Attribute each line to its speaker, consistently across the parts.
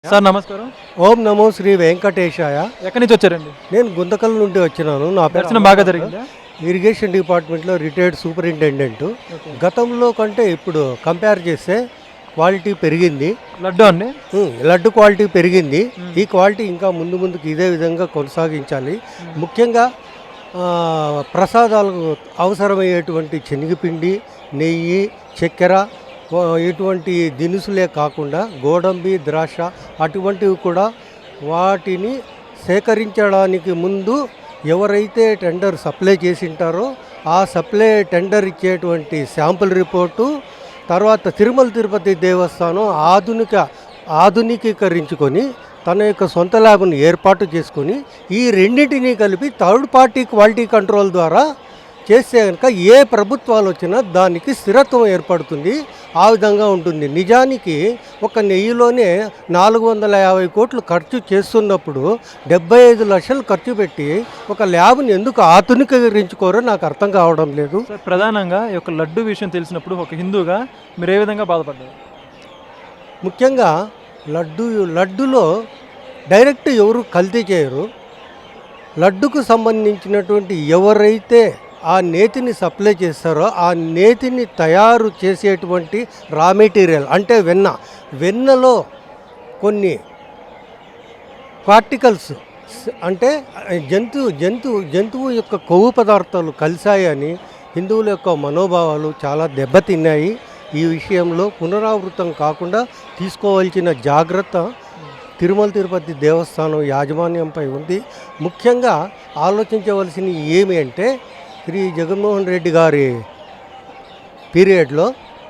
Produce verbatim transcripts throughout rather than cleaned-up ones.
Speaker 1: Sir నమస్కారం.
Speaker 2: ఓం నమో శ్రీ వెంకటేశాయ.
Speaker 1: ఎక్కడి నుంచి వచ్చారండి?
Speaker 2: నేను గుంతకల్ నుండి వచ్చినాను. నా
Speaker 1: దర్శనం బాగా జరిగిందా?
Speaker 2: ఇరిగేషన్ డిపార్ట్మెంట్లో రిటైర్డ్ సూపరింటెండెంట్. గతంలో కంటే ఇప్పుడు కంపేర్ చేస్తే క్వాలిటీ పెరిగింది.
Speaker 1: లడ్డు అండి,
Speaker 2: లడ్డు క్వాలిటీ పెరిగింది. ఈ క్వాలిటీ ఇంకా ముందు ముందుకు ఇదే విధంగా కొనసాగించాలి. ముఖ్యంగా ప్రసాదాలకు అవసరమయ్యేటువంటి శనగపిండి, నెయ్యి, చక్కెర ఇటువంటి దినుసులే కాకుండా గోడంబి, ద్రాక్ష అటువంటివి కూడా వాటిని సేకరించడానికి ముందు ఎవరైతే టెండర్ సప్లై చేసింటారో ఆ సప్లై టెండర్ ఇచ్చేటువంటి శాంపుల్ రిపోర్టు, తర్వాత తిరుమల తిరుపతి దేవస్థానం ఆధునిక ఆధునికీకరించుకొని తన యొక్క సొంత ల్యాబ్ను ఏర్పాటు చేసుకొని ఈ రెండింటినీ కలిపి థర్డ్ పార్టీ క్వాలిటీ కంట్రోల్ ద్వారా చేస్తే కనుక ఏ ప్రభుత్వాలు వచ్చినా దానికి స్థిరత్వం ఏర్పడుతుంది. ఆ విధంగా ఉంటుంది. నిజానికి ఒక నెయ్యిలోనే నాలుగు వందల యాభై కోట్లు ఖర్చు చేస్తున్నప్పుడు డెబ్బై ఐదు లక్షలు ఖర్చు పెట్టి ఒక ల్యాబ్ని ఎందుకు ఆధునికీకరించుకోరో నాకు అర్థం కావడం లేదు.
Speaker 1: ప్రధానంగా ఈ యొక్క లడ్డు విషయం తెలిసినప్పుడు ఒక హిందూగా మీరు ఏ విధంగా బాధపడ్డారు?
Speaker 2: ముఖ్యంగా లడ్డు లడ్డులో డైరెక్ట్ ఎవరు కల్తీ చేయరు. లడ్డుకు సంబంధించినటువంటి ఎవరైతే ఆ నేతిని సప్లై చేస్తారో ఆ నేతిని తయారు చేసేటువంటి రా మెటీరియల్ అంటే వెన్న, వెన్నలో కొన్ని పార్టికల్స్ అంటే జంతువు జంతువు జంతువు యొక్క కొవ్వు పదార్థాలు కలిశాయని హిందువుల యొక్క మనోభావాలు చాలా దెబ్బతిన్నాయి. ఈ విషయంలో పునరావృతం కాకుండా తీసుకోవాల్సిన జాగ్రత్త తిరుమల తిరుపతి దేవస్థానం యాజమాన్యంపై ఉంది. ముఖ్యంగా ఆలోచించవలసినవి ఏమి అంటే శ్రీ జగన్మోహన్ రెడ్డి గారి పీరియడ్లో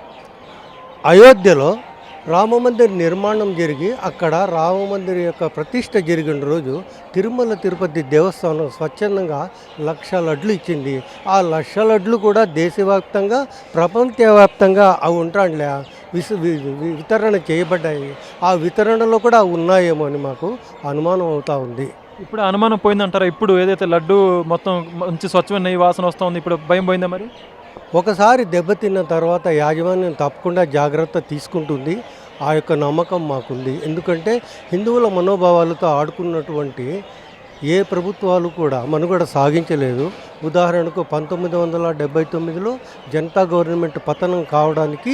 Speaker 2: అయోధ్యలో రామమందిర్ నిర్మాణం జరిగి అక్కడ రామమందిర్ యొక్క ప్రతిష్ట జరిగిన రోజు తిరుమల తిరుపతి దేవస్థానం స్వచ్ఛందంగా లక్ష లడ్లు ఇచ్చింది. ఆ లక్ష లడ్లు కూడా దేశవ్యాప్తంగా ప్రపంచవ్యాప్తంగా అవి ఉంటాండ్లే విసు వితరణ చేయబడ్డాయి. ఆ వితరణలో కూడా ఉన్నాయేమో అని మాకు అనుమానం అవుతూ ఉంది.
Speaker 1: ఇప్పుడు అనుమానం పోయిందంటారా? ఇప్పుడు ఏదైతే లడ్డు మొత్తం మంచి స్వచ్ఛమైన నెయ్యి వాసన వస్తూ ఉంది, ఇప్పుడు భయం పోయిందా? మరి
Speaker 2: ఒకసారి దెబ్బతిన్న తర్వాత యాజమాన్యం తప్పకుండా జాగ్రత్త తీసుకుంటుంది. ఆ యొక్క నమ్మకం మాకుంది. ఎందుకంటే హిందువుల మనోభావాలతో ఆడుకున్నటువంటి ఏ ప్రభుత్వాలు కూడా మనుగడ సాగించలేదు. ఉదాహరణకు పంతొమ్మిది వందల డెబ్బై తొమ్మిదిలో జనతా గవర్నమెంట్ పతనం కావడానికి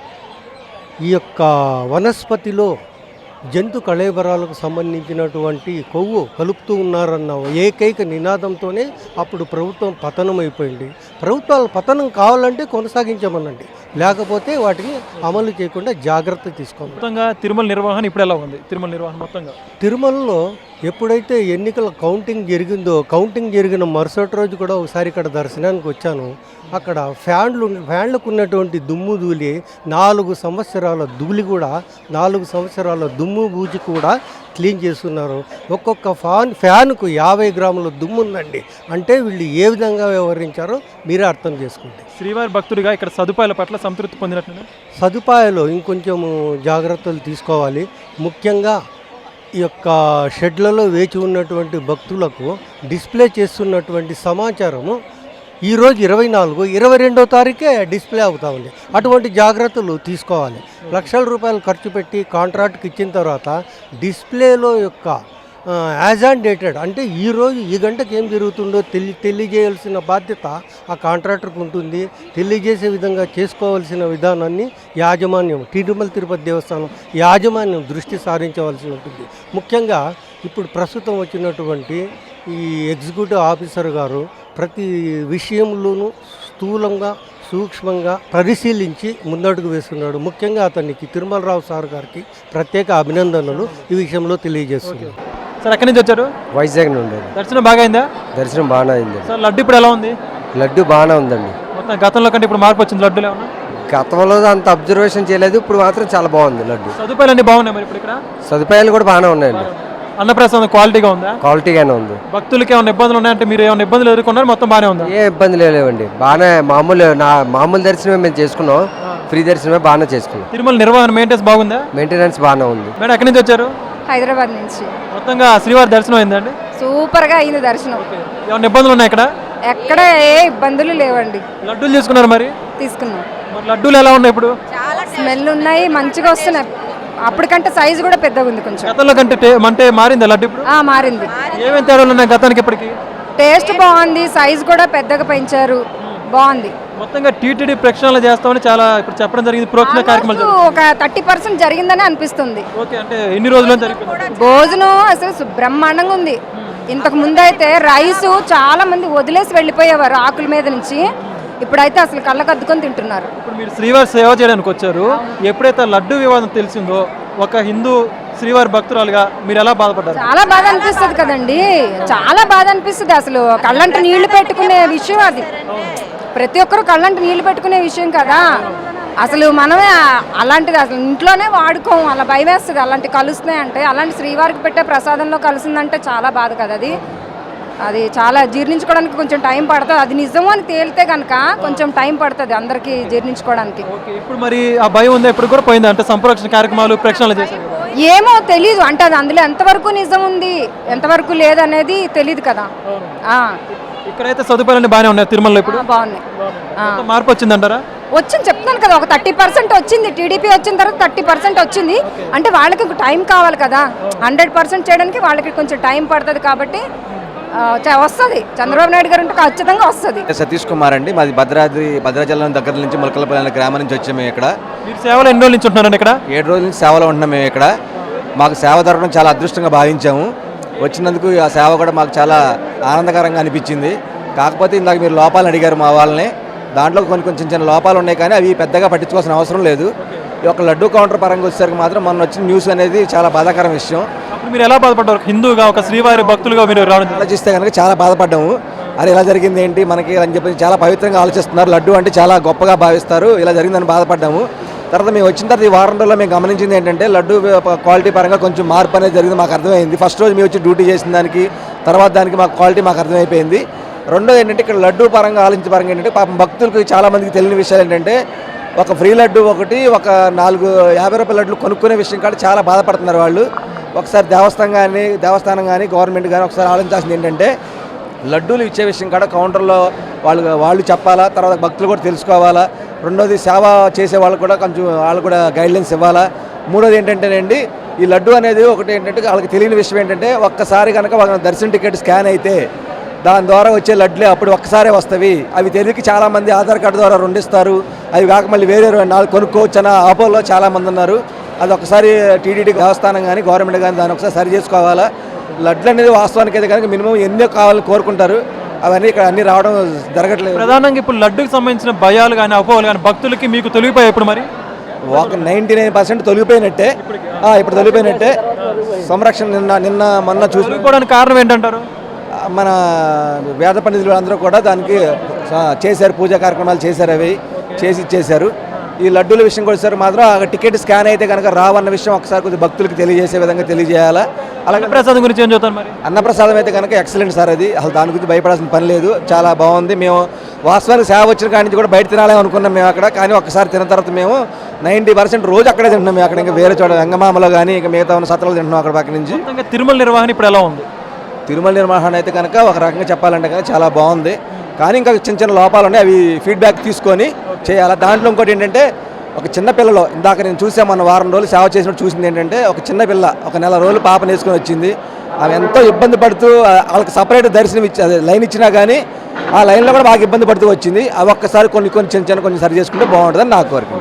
Speaker 2: ఈ యొక్క వనస్పతిలో జంతు కళేబరాలకు సంబంధించినటువంటి కొవ్వు కలుపుతూ ఉన్నారన్న ఏకైక నినాదంతోనే అప్పుడు ప్రభుత్వం పతనం అయిపోయింది. ప్రభుత్వాలు పతనం కావాలంటే కొనసాగించమనండి, లేకపోతే వాటిని అమలు చేయకుండా జాగ్రత్త తీసుకోవాలి.
Speaker 1: మొత్తంగా తిరుమల నిర్వహణ ఇప్పుడు ఎలా ఉంది? తిరుమల నిర్వహణ మొత్తంగా
Speaker 2: తిరుమలలో ఎప్పుడైతే ఎన్నికల కౌంటింగ్ జరిగిందో కౌంటింగ్ జరిగిన మరుసటి రోజు కూడా ఒకసారి ఇక్కడ దర్శనానికి వచ్చాను. అక్కడ ఫ్యాన్లు ఫ్యాన్లకు ఉన్నటువంటి దుమ్ము ధూళి నాలుగు సంవత్సరాల ధూళి కూడా నాలుగు సంవత్సరాల దుమ్ము బూజి కూడా క్లీన్ చేస్తున్నారు. ఒక్కొక్క ఫ్యాన్ ఫ్యాన్కు యాభై గ్రాముల దుమ్ము ఉందండి. అంటే వీళ్ళు ఏ విధంగా వ్యవహరించారో మీరే అర్థం చేసుకోండి.
Speaker 1: శ్రీవారి భక్తుడిగా ఇక్కడ సదుపాయాల పట్ల సంతృప్తి పొందినట్లు
Speaker 2: సదుపాయాలు ఇంకొంచెం జాగ్రత్తలు తీసుకోవాలి. ముఖ్యంగా ఈ యొక్క షెడ్లలో వేచి ఉన్నటువంటి భక్తులకు డిస్ప్లే చేస్తున్నటువంటి సమాచారము ఈరోజు ఇరవై నాలుగు ఇరవై రెండో తారీఖే డిస్ప్లే అవుతా ఉంది. అటువంటి జాగ్రత్తలు తీసుకోవాలి. లక్షల రూపాయలు ఖర్చు పెట్టి కాంట్రాక్ట్కి ఇచ్చిన తర్వాత డిస్ప్లేలో యొక్క యాజ్ ఆన్ డేటెడ్ అంటే ఈరోజు ఈ గంటకు ఏం జరుగుతుందో తెలి తెలియజేయాల్సిన బాధ్యత ఆ కాంట్రాక్టర్కి ఉంటుంది. తెలియజేసే విధంగా చేసుకోవాల్సిన విధానాన్ని యాజమాన్యం తిరుమల తిరుపతి దేవస్థానం యాజమాన్యం దృష్టి సారించవలసి ఉంటుంది. ముఖ్యంగా ఇప్పుడు ప్రస్తుతం వచ్చినటువంటి ఈ ఎగ్జిక్యూటివ్ ఆఫీసర్ గారు ప్రతి విషయంలోనూ స్థూలంగా సూక్ష్మంగా పరిశీలించి ముందడుగు వేస్తున్నాడు. ముఖ్యంగా అతనికి తిరుమలరావు సార్ గారికి ప్రత్యేక అభినందనలు ఈ విషయంలో తెలియజేస్తున్నారు.
Speaker 1: సార్ ఎక్కడి నుంచి వచ్చారు?
Speaker 3: వైజాగ్ నుండి.
Speaker 1: దర్శనం బాగా అయిందా?
Speaker 3: దర్శనం బాగానే అయింది.
Speaker 1: సార్ లడ్డు ఇప్పుడు ఎలా ఉంది?
Speaker 3: లడ్డు బాగానే ఉందండి.
Speaker 1: మొత్తం గతంలో కంటే ఇప్పుడు మార్పు వచ్చింది లడ్డులో ఏమన్నా?
Speaker 3: గతంలో అంత అబ్జర్వేషన్ చేయలేదు, ఇప్పుడు మాత్రం చాలా బాగుంది లడ్డు.
Speaker 1: సదుపాయాలు అన్నీ బాగున్నాయి మరి ఇప్పుడు ఇక్కడ?
Speaker 3: సదుపాయాలు కూడా బాగానే ఉన్నాయండి.
Speaker 1: అన్నప్రసాదం క్వాలిటీగా ఉందా?
Speaker 3: క్వాలిటీగానే ఉంది.
Speaker 1: భక్తులకి ఏమైనా ఇబ్బందులు ఉన్నాయంటే మీరు ఏమైనా ఇబ్బందులు ఎదుర్కొన్నారు? మొత్తం బాగానే ఉందా?
Speaker 3: ఏ ఇబ్బందులు లేవండి, బాగానే మామూలు నా మామూలు దర్శనమే మేము చేసుకున్నాం. ఫ్రీ దర్శనమే బాగానే చేసుకున్నాం.
Speaker 1: తిరుమల నిర్వహణ మెయింటెనెన్స్ బాగుందా?
Speaker 3: మెయింటెనెన్స్ బాగానే ఉంది.
Speaker 1: మేడం ఎక్కడి నుంచి వచ్చారు?
Speaker 4: హైదరాబాద్ నుంచి.
Speaker 1: మొత్తంగా శ్రీవారి దర్శనం అయిందండి?
Speaker 4: సూపర్గా అయింది దర్శనం.
Speaker 1: ఏమైనా ఇబ్బందులు ఉన్నాయి ఇక్కడ?
Speaker 4: ఎక్కడ ఏ ఇబ్బందులు లేవండి.
Speaker 1: లడ్డూలు తీసుకున్నారు మరి?
Speaker 4: తీసుకున్నాం.
Speaker 1: మరి లడ్డూలు ఎలా ఉన్నాయి ఇప్పుడు?
Speaker 4: స్మెల్ ఉన్నాయి, మంచిగా వస్తున్నాయి. అప్పటికంటే సైజు కూడా పెద్దగా ఉంది కొంచెం.
Speaker 1: గతంలో కంటే టే- అంటే మారింది లడ్డు ఇప్పుడు
Speaker 4: ఆ, మారింది.
Speaker 1: ఏమేమి తేడాలు ఉన్నాయి గతానికి ఇప్పటికి?
Speaker 4: టేస్ట్ బాగుంది, సైజు కూడా పెద్దగా పెంచారు, బాగుంది.
Speaker 1: మొత్తంగా టీటీడీ ప్రక్షాళన చేస్తామని చాలా ఇప్పుడు చెప్పడం జరిగింది. ప్రోక్షణ కార్యక్రమాలు
Speaker 4: Almost ఒక థర్టీ పర్సెంట్ జరిగిందని అనిపిస్తుంది.
Speaker 1: జరుగుతాయి. ఓకే, అంటే ఎన్ని రోజులు జరిగింది?
Speaker 4: భోజనం అసలు సు- బ్రహ్మాండంగా ఉంది. ఇంతకు ముందు అయితే రైస్ చాలా మంది వదిలేసి వెళ్ళిపోయేవారు ఆకుల మీద నుంచి, ఇప్పుడైతే అసలు కళ్ళకద్దుకొని తింటున్నారు.
Speaker 1: ఇప్పుడు మీరు శ్రీవారి సేవ చేయడానికి వచ్చారు. ఎప్పుడైతే లడ్డు వివాదం తెలిసిందో ఒక హిందూ శ్రీవారి భక్తురాలుగా మీరు ఎలా బాధపడ్డారు?
Speaker 4: చాలా బాధ అనిపిస్తుంది కదండి, చాలా బాధ అనిపిస్తుంది. అసలు కళ్ళంట నీళ్లు పెట్టుకునే విషయం అది. ప్రతి ఒక్కరు కళ్ళంట నీళ్లు పెట్టుకునే విషయం కదా. అసలు మనమే అలాంటిది అసలు ఇంట్లోనే వాడుకోం, అలా భయం వేస్తుంది అలాంటి కలుస్తున్నాయి అంటే. అలాంటి శ్రీవారికి పెట్టే ప్రసాదంలో కలిసిందంటే చాలా బాధ కదా అది. అది చాలా జీర్ణించుకోవడానికి కొంచెం టైం పడుతుంది. అది నిజమో అని తేలితే కనుక కొంచెం టైం పడుతుంది అందరికీ జీర్ణించుకోవడానికి.
Speaker 1: ఓకే, ఇప్పుడు మరి ఆ భయం ఉందా? ఇప్పుడు కూడా పోయింది అంటే సంప్రోక్షణ కార్యక్రమాలు ప్రక్షాళన చేశారు కదా?
Speaker 4: ఏమో తెలీదు, అంటే అది అందులో ఎంతవరకు నిజం ఉంది ఎంతవరకు లేదనేది తెలీదు కదా. ఆ,
Speaker 1: ఇక్కడైతే సదుపాయాలన్నీ బాగానే ఉన్నాయి తిరుమలలో ఇప్పుడు.
Speaker 4: ఆ, బాగున్నాయి. ఆ.
Speaker 1: మొత్తం మార్పు వచ్చిందంటారా?
Speaker 4: వచ్చింది చెప్తున్నాను కదా, ఒక థర్టీ పర్సెంట్ వచ్చింది. టీడీపీ వచ్చిన తర్వాత థర్టీ పర్సెంట్ వచ్చింది. అంటే వాళ్ళకి టైం కావాలి కదా, హండ్రెడ్ పర్సెంట్ చేయడానికి వాళ్ళకి కొంచెం టైం పడుతుంది. కాబట్టి ఆ, చ- వస్తుంది. చంద్రబాబు నాయుడు గారు ఉంటే ఖచ్చితంగా వస్తుంది.
Speaker 5: సతీష్ కుమార్ అండి, మాది భద్రాద్రి భద్రాచలం దగ్గర నుంచి ములకలపల్లి అనే గ్రామం నుంచి వచ్చాము. మేము ఇక్కడ
Speaker 1: మీరు సేవలు ఎన్ని రోజుల నుంచి ఉంటున్నారండి ఇక్కడ?
Speaker 5: ఏడు రోజుల నుంచి సేవలో ఉంటున్నాం. మేము ఇక్కడ మాకు సేవ దొరకడం చాలా అదృష్టంగా భావించాము. వచ్చినందుకు ఆ సేవ కూడా మాకు చాలా ఆనందకరంగా అనిపించింది. కాకపోతే ఇందాక మీరు లోపాలు అడిగారు మా వాళ్ళని, దాంట్లో కొన్ని కొంచెం చిన్న లోపాలు ఉన్నాయి, కానీ అవి పెద్దగా పట్టించుకోవాల్సిన అవసరం లేదు. ఈ యొక్క లడ్డూ కౌంటర్ పరంగా వచ్చేసరికి మాత్రం మొన్న వచ్చిన న్యూస్ అనేది చాలా బాధాకరం విషయం.
Speaker 1: అప్పుడు మీరు ఎలా బాధపడ్డారు? హిందూగా ఒక శ్రీవారి భక్తులుగా మీరు రావడం జరిగింది.
Speaker 5: ఆలోచిస్తే కనుక చాలా బాధపడ్డాము. అరే ఇలా జరిగింది ఏంటి మనకి అని చెప్పి చాలా పవిత్రంగా ఆలోచిస్తున్నారు. లడ్డు అంటే చాలా గొప్పగా భావిస్తారు, ఇలా జరిగిందని బాధపడ్డాము. తర్వాత మేము వచ్చిన తర్వాత ఈ వారం రోజుల్లో మేము గమనించింది ఏంటంటే లడ్డు క్వాలిటీ పరంగా కొంచెం మార్పు అనేది జరిగింది, మాకు అర్థమైంది. ఫస్ట్ రోజు మేము వచ్చి డ్యూటీ చేసిన దానికి తర్వాత దానికి మాకు క్వాలిటీ మాకు అర్థమైపోయింది. రెండోది ఏంటంటే ఇక్కడ లడ్డు పరంగా ఆలోచించే పరంగా ఏంటంటే పాపం భక్తులకు చాలా మందికి తెలియని విషయాలు ఏంటంటే ఒక ఫ్రీ లడ్డు ఒకటి, ఒక నాలుగు యాభై రూపాయల లడ్లు కొనుక్కునే విషయం కాదు చాలా బాధపడుతున్నారు వాళ్ళు. ఒకసారి దేవస్థానం కానీ దేవస్థానం కానీ గవర్నమెంట్ కానీ ఒకసారి ఆలోచించాల్సింది ఏంటంటే లడ్డూలు ఇచ్చే విషయం కాడ కౌంటర్లో వాళ్ళు వాళ్ళు చెప్పాలా, తర్వాత భక్తులు కూడా తెలుసుకోవాలా. రెండోది సేవ చేసే వాళ్ళు కూడా కొంచెం వాళ్ళు కూడా గైడ్లైన్స్ ఇవ్వాలా. మూడోది ఏంటంటేనండి ఈ లడ్డు అనేది ఒకటి ఏంటంటే వాళ్ళకి తెలియని విషయం ఏంటంటే ఒక్కసారి కనుక వాళ్ళ దర్శన టికెట్ స్కాన్ అయితే దాని ద్వారా వచ్చే లడ్లే అప్పుడు ఒక్కసారే వస్తాయి. అవి తెలియక చాలామంది ఆధార్ కార్డు ద్వారా రెండిస్తారు, అవి కాక మళ్ళీ వేరే నాలుగు కొనుక్కోవచ్చు అన్న ఆపోలో చాలామంది ఉన్నారు. అది ఒకసారి టీటీడీ దేవస్థానం కానీ గవర్నమెంట్ కానీ దాన్ని ఒకసారి సరి చేసుకోవాలా. లడ్లు అనేది వాస్తవానికి అయితే కనుక మినిమం ఎన్నో కావాలని కోరుకుంటారు, అవన్నీ ఇక్కడ అన్ని రావడం జరగట్లేదు.
Speaker 1: ప్రధానంగా ఇప్పుడు లడ్డుకి సంబంధించిన భయాలు కానీ అపోహలు కానీ భక్తులకి మీకు తొలగిపోయాయి ఇప్పుడు మరి?
Speaker 5: ఒక నైంటీ నైన్ పర్సెంట్ తొలగిపోయినట్టే. ఆ, ఇప్పుడు తొలగిపోయినట్టే. సంరక్షణ నిన్న నిన్న మొన్న చూసి
Speaker 1: తొలగిపోవడానికి కారణం ఏంటంటారు?
Speaker 5: మన వేద పండితులు అందరూ కూడా దానికి చేశారు, పూజా కార్యక్రమాలు చేశారు, అవి చేసి ఇచ్చేశారు. ఈ లడ్డూల విషయం కూడా సార్ మాత్రం ఆ టికెట్ స్కాన్ అయితే కనుక రావన్న విషయం ఒకసారి కొద్దిగా భక్తులకు తెలియజేసే విధంగా తెలియజేయాలా. అలాగే
Speaker 1: ప్రసాదం గురించి ఏం చెప్తాను మరి?
Speaker 5: అన్నప్రసాదం అయితే కనుక ఎక్సలెంట్ సార్, అది అసలు దాని గురించి భయపడాల్సిన పని లేదు, చాలా బాగుంది. మేము వాస్తవానికి సేవ వచ్చిన కాడి నుంచి కూడా బయట తినాలని అనుకున్నాం మేము అక్కడ, కానీ ఒక్కసారి తిన్న తర్వాత మేము నైంటీ పర్సెంట్ రోజు అక్కడే తింటున్నాం. మేము అక్కడ ఇంకా వేరే చోట వెంగమామలో కానీ ఇంకా మిగతా ఉన్న సత్రాలు తింటున్నాం అక్కడ పక్క నుంచి.
Speaker 1: మొత్తంగా తిరుమల నిర్వహణ ఇప్పుడు ఎలా ఉంది?
Speaker 5: తిరుమల నిర్వహణ అయితే కనుక ఒక రకంగా చెప్పాలంటే కనుక చాలా బాగుంది, కానీ ఇంకా చిన్న చిన్న లోపాలు ఉన్నాయి, అవి ఫీడ్బ్యాక్ తీసుకొని చేయాలి. దాంట్లో ఇంకోటి ఏంటంటే ఒక చిన్న పిల్లలో ఇందాక నేను చూసా మన వారం రోజులు సేవ చేసినట్టు చూసింది ఏంటంటే ఒక చిన్న పిల్ల ఒక నెల రోజులు పాప నేర్చుకొని వచ్చింది. ఆమె ఎంతో ఇబ్బంది పడుతూ వాళ్ళకి సపరేట్ దర్శనం ఇచ్చి అదే లైన్ ఇచ్చినా కానీ ఆ లైన్లో కూడా బాగా ఇబ్బంది పడుతూ వచ్చింది. అవి ఒక్కసారి కొన్ని కొన్ని చిన్న చిన్న కొన్ని సరి చేసుకుంటే బాగుంటుందని నాకు కోరిక.